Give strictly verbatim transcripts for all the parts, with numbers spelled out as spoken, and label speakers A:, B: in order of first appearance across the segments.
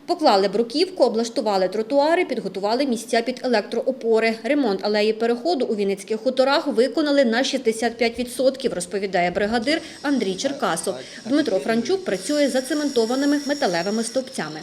A: Поклали бруківку, облаштували тротуари, підготували місця під електроопори. Ремонт алеї переходу у Вінницьких хуторах виконали на шістдесят п'ять відсотків, розповідає бригадир Андрій Черкасов. Дмитро Франчук працює зацементованими металевими стовпцями.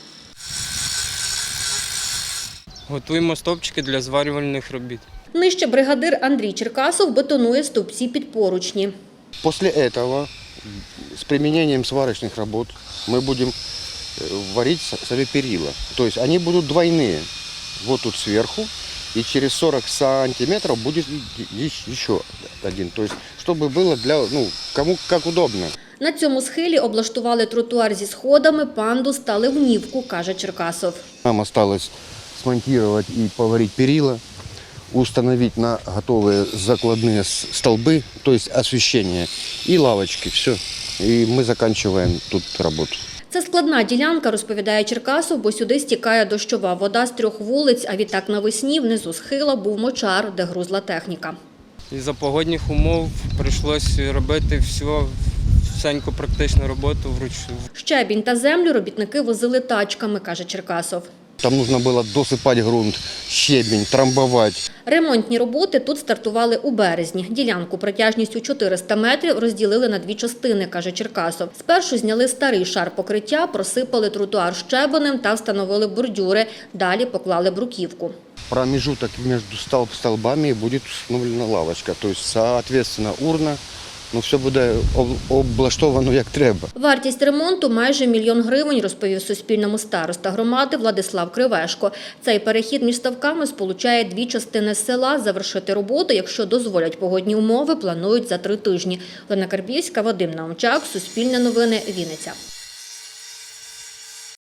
B: Готуємо стовпчики для зварювальних робіт.
A: Нижче бригадир Андрій Черкасов бетонує стовпці під поручні.
C: После этого с применением сварочных работ мы будем варить сами перила. То есть они будут двойные. Вот тут сверху, и через сорок сантиметров будет еще один. То есть чтобы было для, ну, кому как удобно.
A: На цьому схилі облаштували тротуар зі сходами, пандус та ливнівку, каже Черкасов.
C: Нам осталось смонтировать и поварить перила, установить на готовые закладные столбы, то есть освещение, и лавочки. Все. И мы заканчиваем тут работу.
A: Це складна ділянка, розповідає Черкасов, бо сюди стікає дощова вода з трьох вулиць, а відтак навесні внизу схила був мочар, де грузла техніка.
B: Із-за погодних умов прийшлося робити всю, всеньку практичну роботу вручну.
A: Щебінь та землю робітники возили тачками, каже Черкасов.
C: Там нужно было досыпать грунт, щебень, трамбовать.
A: Ремонтні роботи тут стартували у березні. Ділянку протяжністю чотириста метрів розділили на дві частини, каже Черкасов. Спершу зняли старий шар покриття, просипали тротуар щебенем та встановили бордюри. Далі поклали бруківку.
C: Промежуток между столб, столбами будет установлена лавочка. То есть, соответственно, урна. Ну, все буде облаштовано як треба.
A: Вартість ремонту – майже мільйон гривень, розповів Суспільному староста громади Владислав Кривешко. Цей перехід між ставками сполучає дві частини села. Завершити роботу, якщо дозволять погодні умови, планують за три тижні. Олена Карбівська, Вадим Наумчак, Суспільне новини, Вінниця.